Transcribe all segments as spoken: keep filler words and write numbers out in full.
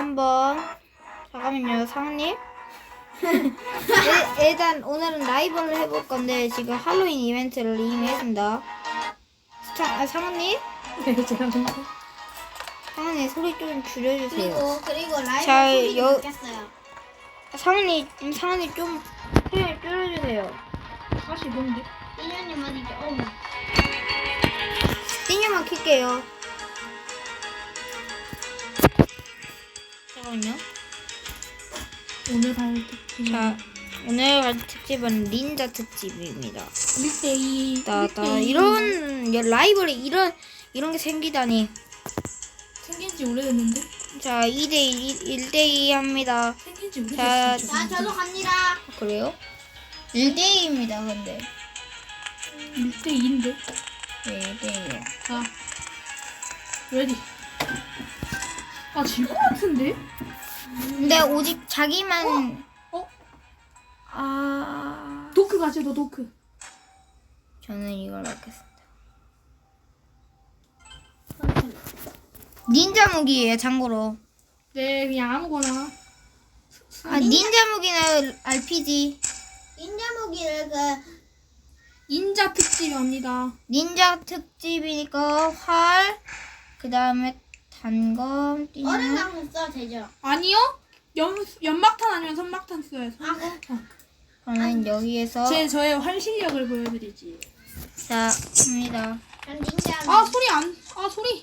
한번 잠깐만요, 상님. 일단 오늘은 라이브를 해볼 건데 지금 할로윈 이벤트를 이미 했습니다. 자, 아, 상님, 네, 제가 좀. 상님 소리 좀 줄여주세요. 그리고 그리고 라이브 자, 소리도 여- 바뀌었어요. 상님, 상님 좀 소리 줄여주세요. 다시 뭔데? 인연님 어디죠? 어. 띵유만 킬게요. 잠깐만요. 오늘 할 특집. 자, 오늘 할 특집은 닌자 특집입니다. 일 대이. 나나 이런 라이브에 이런 이런 게 생기다니. 생긴 지 오래됐는데? 자, 이 대 일, 일 대 이 합니다. 생긴 지 자, 오래됐어. 자, 저도 갑니다. 그래요? 일 대 이입니다, 근데. 일 대이인데? 네, 일 대 이요. 자. 레디. 아, 질 것 같은데? 근데 오직 자기만. 어? 아. 도크 가지, 너 도크. 저는 이걸 받겠습니다. 닌자 무기예요, 참고로. 네, 그냥 아무거나. 아, 닌자 무기는 알피지. 인자무기를 그 인자 특집입니다. 닌자 특집이니까 활, 그 다음에 단검, 띠는 얼음 강물 써도 되죠? 아니요? 연, 연막탄 아니면 선막탄 써요. 아, 그 저는 여기에서 제, 저의 활 실력을 보여드리지. 자, 합니다. 전 닌자. 아, 소리 안, 아, 소리.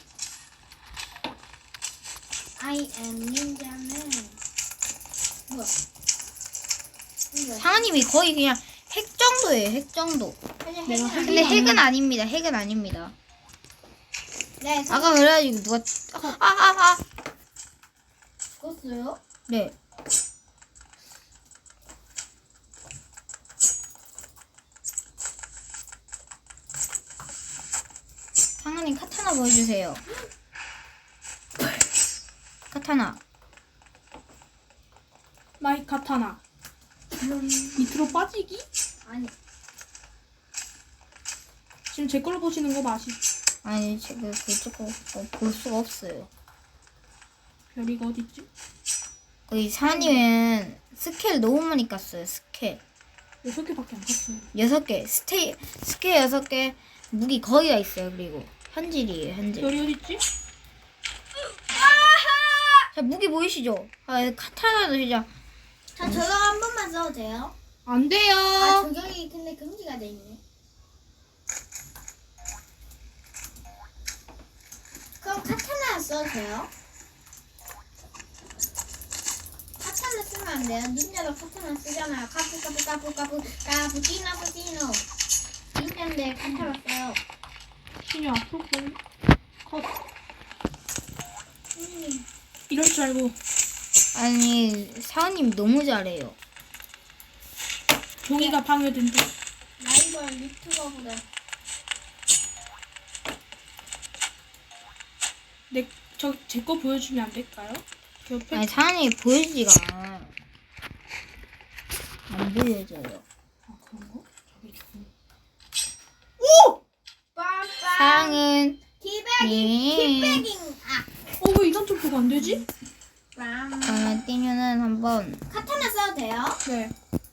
I am 닌자는 뭐야? 이거. 상아님이 거의 그냥 핵 정도예요, 핵 정도. 그냥 내가 핵은 근데 핵이 핵은 아닙니다, 핵은 아닙니다. 네, 저 아까 그래가지고 누가, 아, 아, 아. 죽었어요. 네. 상아님 카타나 보여주세요. 카타나. 마이 카타나. 밑으로 빠지기? 아니, 지금 제 걸로 보시는 거 맞이? 아니, 지금 그쪽으로 볼 수가 없어요. 별이가 어딨지? 거기 상아님은 스킬 너무 많이 깠어요, 스킬. 여섯 개밖에 안 갔어요. 여섯 개, 스테이, 스킬 여섯 개, 무기 거의 다 있어요, 그리고. 현질이에요, 현질. 별이 어딨지? 자, 무기 보이시죠? 아, 카타나도 진짜. 저 저거 한 번만 써도 돼요? 안 돼요. 아, 저격이 근데 금지가 돼 있네. 그럼 카타나 써도 돼요? 카타나 쓰면 안 돼요? 닌자도 카타나 쓰잖아요. 카푸 카푸 카푸 카푸 카푸치노 카푸치노. 닌자인데 카타나 써요. 신이 앞으로 보니 컷. 음. 이럴 줄 알고 아니, 사원님 너무 잘해요. 종이가 방해된다. 라이벌 유튜버보다 내, 저, 제 거 보여주면 안 될까요? 저 옆에 아니, 사원님이 보여주지가 않아요. 안 보여줘요. 아, 그런 거? 저기 종. 빰빰 사랑은, 티백잉 예. 티백잉 아 어, 왜 이단 점프가 안 되지? 빰. 그러면 뛰면은 한번, 카타나 써도 돼요? 네.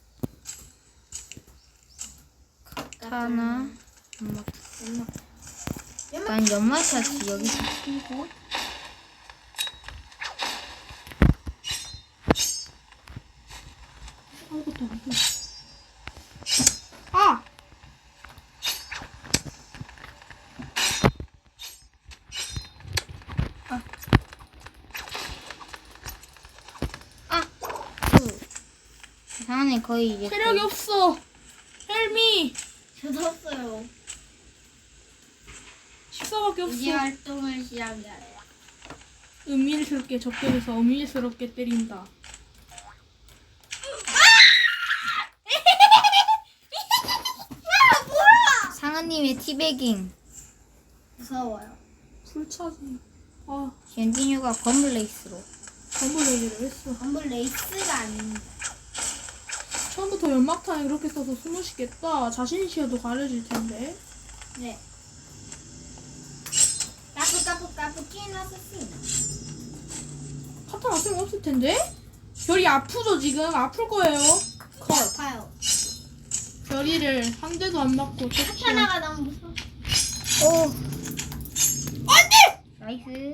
카타나, 연막. 연막 난 연막 차지, 여기서 끼고. 아무것도 안 돼. 아! 아! 그, 사원님 거의 이제. 체력이 거의- 없어. 헬미. 저도 없어요. 십사밖에 없어. 이제 활동을 시작해요. 은밀스럽게 접근해서 은밀스럽게 때린다. 상아님의 티베깅. 무서워요. 불차지. 아, 젠디뉴가 검블레이스로. 덤블레이를 했어. 전부 레이스가 아닙니다. 처음부터 연막탄에 그렇게 써서 숨으시겠다. 자신이시여도 가려질 텐데. 네. 까푸 까푸 까푸치노 소시노. 카타나 소용없을 텐데? 별이 아프죠 지금? 아플 거예요. 컷. 아파요. 별이를 한 대도 안 맞고 쳤지요. 카타나가 너무 무서워. 오. 안돼! 나이스.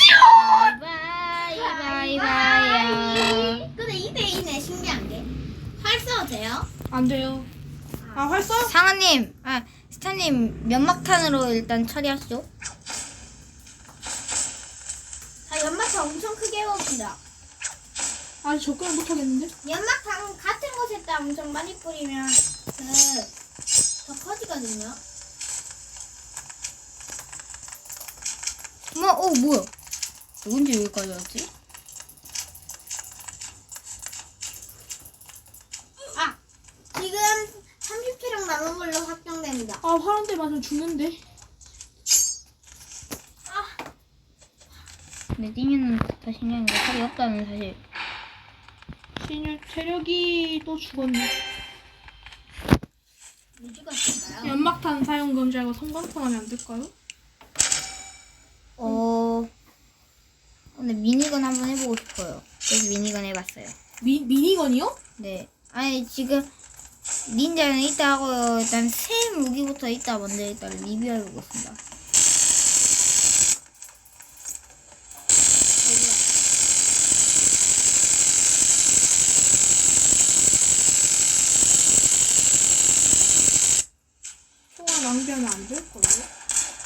바이 바이 바이야. 근데 이 대 이네 신기한 게. 활 써도 돼요? 안 돼요. 아 활써? 상아님, 아 스타님 면막탄으로 일단 처리하시죠. 자, 연막탄 엄청 크게 해봅시다. 아직 접근을 못 하겠는데? 연막탄 같은 곳에다 엄청 많이 뿌리면 그 더 커지거든요. 뭐, 어 뭐야? 언제 여기까지 왔지? 아, 지금 삼십 킬로 남은 걸로 확정됩니다. 아 활 한 대 맞으면 죽는데. 아, 근데 띵이는 더 신기한 게 살이 없다는 사실. 신유 체력이 또 죽었네. 왜 죽었을까요? 연막탄 사용 금지하고 성광탄하면 안 될까요? 어. 근데 미니건 한번 해보고 싶어요. 그래서 미니건 해봤어요. 미 미니건이요? 네. 아니 지금 닌자는 이따 하고요. 일단 새 무기부터 이따 먼저 일단 리뷰해보겠습니다. 총알 낭비하면 안 될걸요?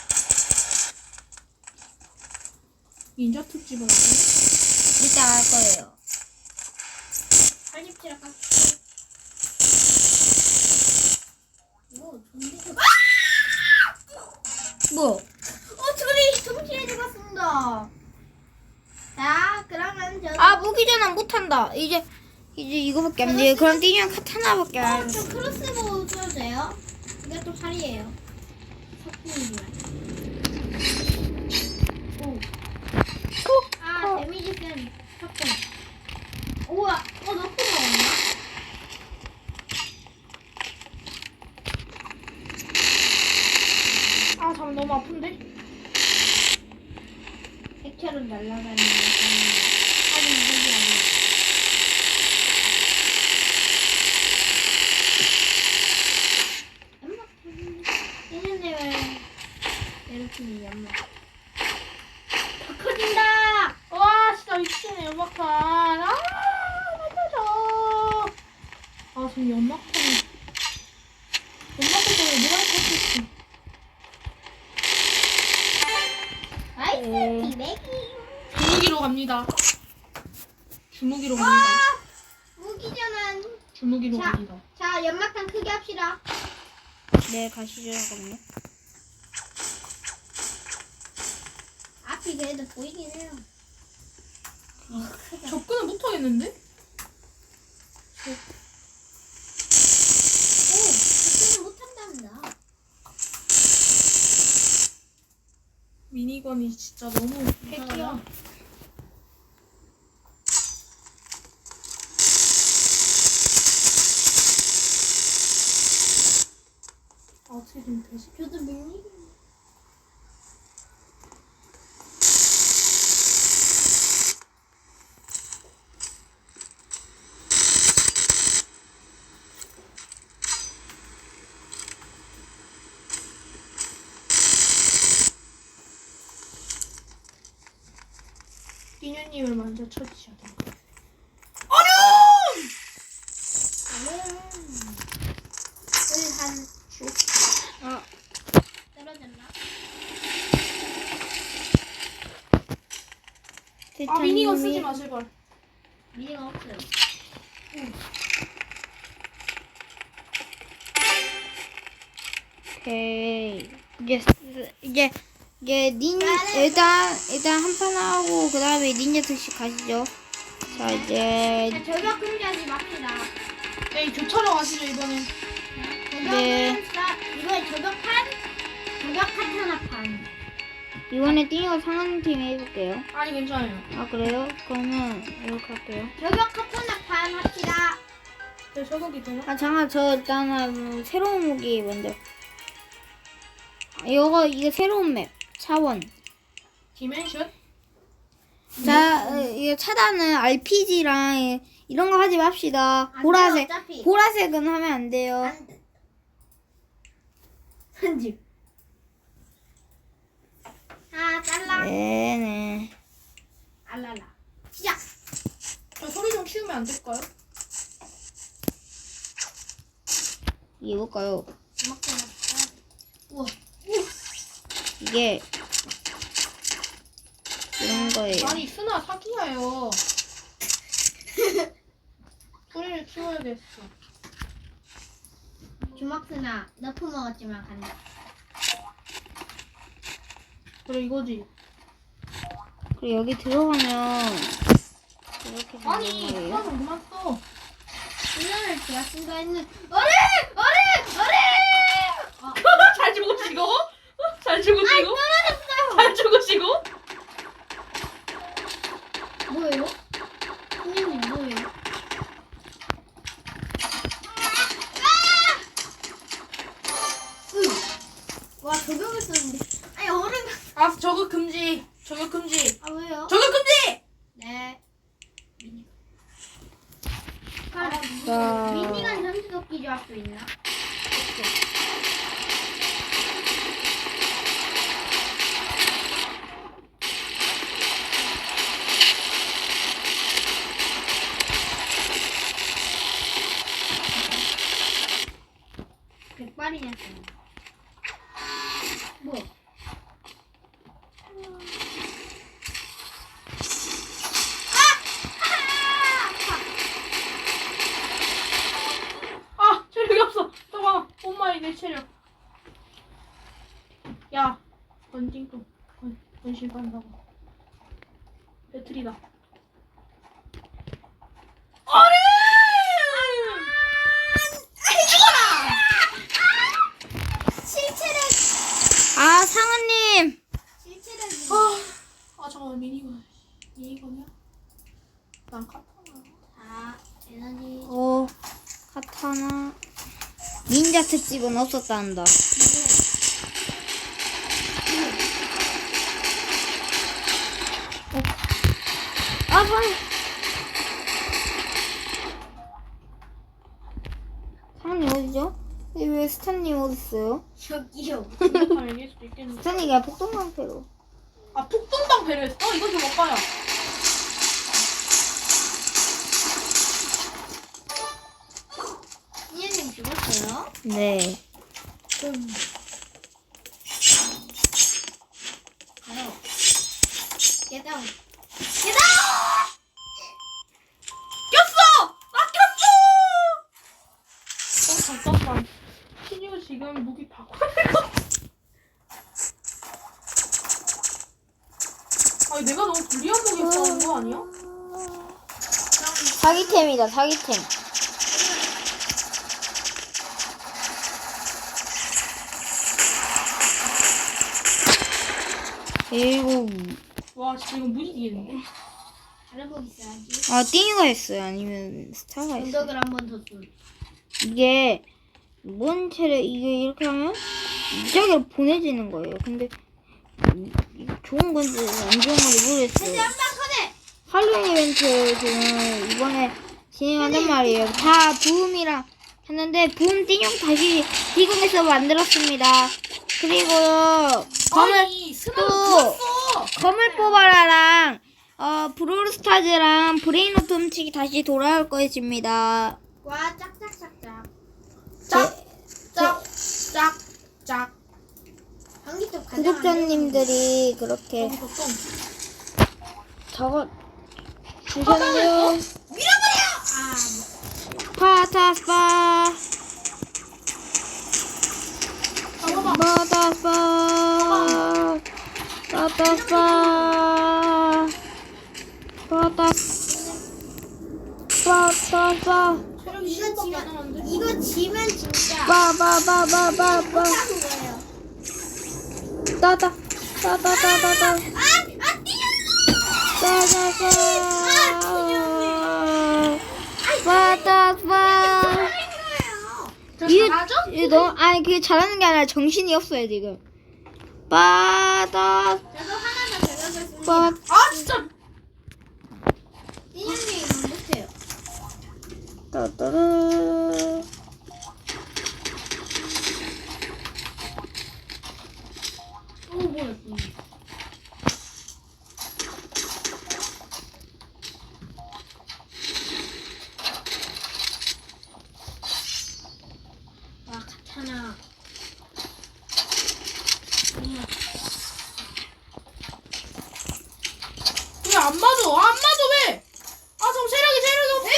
닌자 특집을 하네? 이따 할 거예요. 팔십 킬로 깎. 오, 좀비. 뭐? 어, 둘이 동시에 죽었습니다. 자, 그러면 저. 아 무기 전환 못한다. 이제 이제 이거밖에 안 돼. 그럼 띵이랑 카타나밖에 어, 안 저 돼. 크로스보우 써도 돼요? 이게 또 팔이에요. 석궁이지만. 오. 아, 데미지 센 석궁. 우와, 어, 너무 나왔나? 아 잠 너무 아픈데? 색채로 날아가는 사진 색이 아니야. 연막 얘네들 왜 이렇게 연막 더 커진다. 와 진짜 미치네 연막탄. 아 맞아줘. 아 지금 연막탄 연막탄 때문에 뭐가 있었지? 나이스 비백이. 주무기로 갑니다. 주무기로 갑니다. 아, 무기전환. 주무기로 자. 갑니다. 자, 연막탄 크게 합시다. 네 가시죠 잠깐만요. 앞이 그래도 보이긴 해요. 어, 크다. 접근을 못 하겠는데? 오, 접근을 못한답니다. 미니건이 진짜 너무 핵이야. 아, 어떻게 좀 되지? 저도 밀리. 끼녀님을 먼저 쳐주셔야 돼요. 여기 한 아 떨어졌나? 아, 미니건 쓰지 마, 제발. 미니가 없어요. 오케이. 이제 쓰- 이제 이제 닌 일단 일단 한 판 하고 그 다음에 닌자 특식 가시죠. 자 이제 자, 저격 금지하지 맙시다. 네, 교차로 가시죠, 이번엔. 저격은 네. 사- 이거에 저격판, 저격 카타나판. 이번에 띵이가 상한 팀 해볼게요. 아니, 괜찮아요. 아 그래요? 그러면 이렇게 할게요. 저격 카타나판 합시다. 네, 저격이 되나? 아 잠깐 저 일단은 새로운 무기 먼저. 아, 이거 이게 새로운 맵 차원. 디멘션? 자, 어, 이거 차단은 알피지랑 이런 거 하지 맙시다. 안 보라색, 돼요, 어차피. 보라색은 하면 안 돼요. 안 돼. 편집. 아, 잘라. 네네. 알랄라. 시작. 저 소리 좀 키우면 안 될까요? 이게 뭘까요? 음악 좀 할까? 우와. 이게 이런 거예요. 아니 순아 사기야요. 소리를 키워야겠어. 주먹스나 너프 먹었지만 간다. 그래 이거지. 그리고 여기 들어가면 이렇게 아니 되는 순아 거예요. 좀 그만 써. 훈련을 제가 쓴다 했는 어레! 어레! 어레! 어. 잘 죽으시고? 잘 죽으시고? 떨어졌어요. 잘 죽으시고? 뭐예요? 훈련님 뭐예요? 으. 와 저격을 썼는데. 아니 어른. 아 저거 금지. 저거 금지. 아 왜요? 저거 금지. 네. 자. 미니가 전투도끼 조합 수 있나? 백발이냐? 뭐야? 아 체력이 없어. 잠깐만. 엄마의 내 체력. 야 번징 또 번, 번신 간다고. 배틀이다. 어른! 실체력. 아, 상은님. 실체력이. 아, 아 잠깐만 미니건 미니건이야? 난 카타나. 아 에너지. 어, 카타나. 닌자 특집은 없었단다. 아, 상. 상은님 어디죠? 왜 스탄님 어딨어요? 저기요. 공격하면 이길 수도 있겠는데. 스탄이가 폭동 상태로. 아 폭동당 배려했어? 이건 좀 오빠야. 이현님 죽었어요? 네. 음. 가요. 계단. 계단! 꼈어! 나 꼈어! 어 잠깐만. 신유 지금 무기 바꿔야 것 같아. 아니 내가 너무 불리한 무기 써는 거 아니야? 사기템이다, 사기템. 일곱. 와 진짜 이건 못 이기겠는데. 잘해보기 있어야지. 아, 띵이가 했어요. 아니면 스타가 했어요. 언덕을 한 번 더 쏠. 이게 뭔 체력 이게 이렇게 하면 무작위로 보내지는 거예요. 근데 이- 이게 좋은 건지 안 좋은 건지 모르겠어요. 한방 커네! 할로윈 이벤트 지금 이번에 진행한단 말이에요. 다 부음이랑 했는데 부음 띵용 다시 디공해서 만들었습니다. 그리고 검을 아니 스나를 또- 죽었어. 검을 뽑아라랑 어 브롤스타즈랑 브레인오트 훔치기 다시 돌아올 것입니다. 와, 짝짝짝짝. 짝짝짝짝. 전기톱 가장 구독자님들이 그렇게 여기서 똥. 적어 주셨네요. 밀어버려! 아, 파타스파 잠깐만. 파타스파 파타스파 파타스 파타스파 체력이 이거 십밖에 안 지면, 남았는데. 이거 지면 진짜 빠바바바바바 못하는 거예요. 따다 따다따다따 아! 아, 뛰었어! 따다따 파타스파 거예요. 이, 이 너, 아니 그게 잘하는 게 아니라 정신이 없어요 지금. 빠다 저도 하나 더 적어봤습니다. 빠 아 진짜. 따따르. 또 뭐였어? 와 카타나. 왜 안 맞아? 안 맞아 왜? 아 저 체력이 체력이 없어.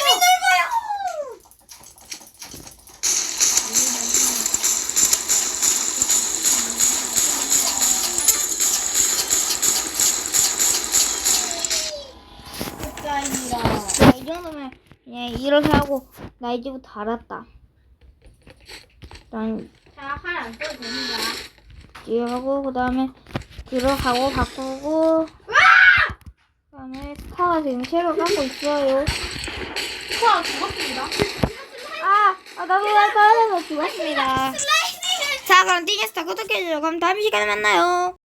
끝까지라. 자, 이 정도면 그냥 이렇게 하고 나 이제부터 알았다. 일단 자활안 써도 됩니다. 이하고 그 다음에 들어가고 바꾸고 그 다음에 스타가 지금 새로 갖고 있어요. 자 죽었습니다. 아, 아 나도 나 떨어져서 죽었습니다. 자 그럼 티니스타 구독해주세요. 그럼 다음 시간에 만나요.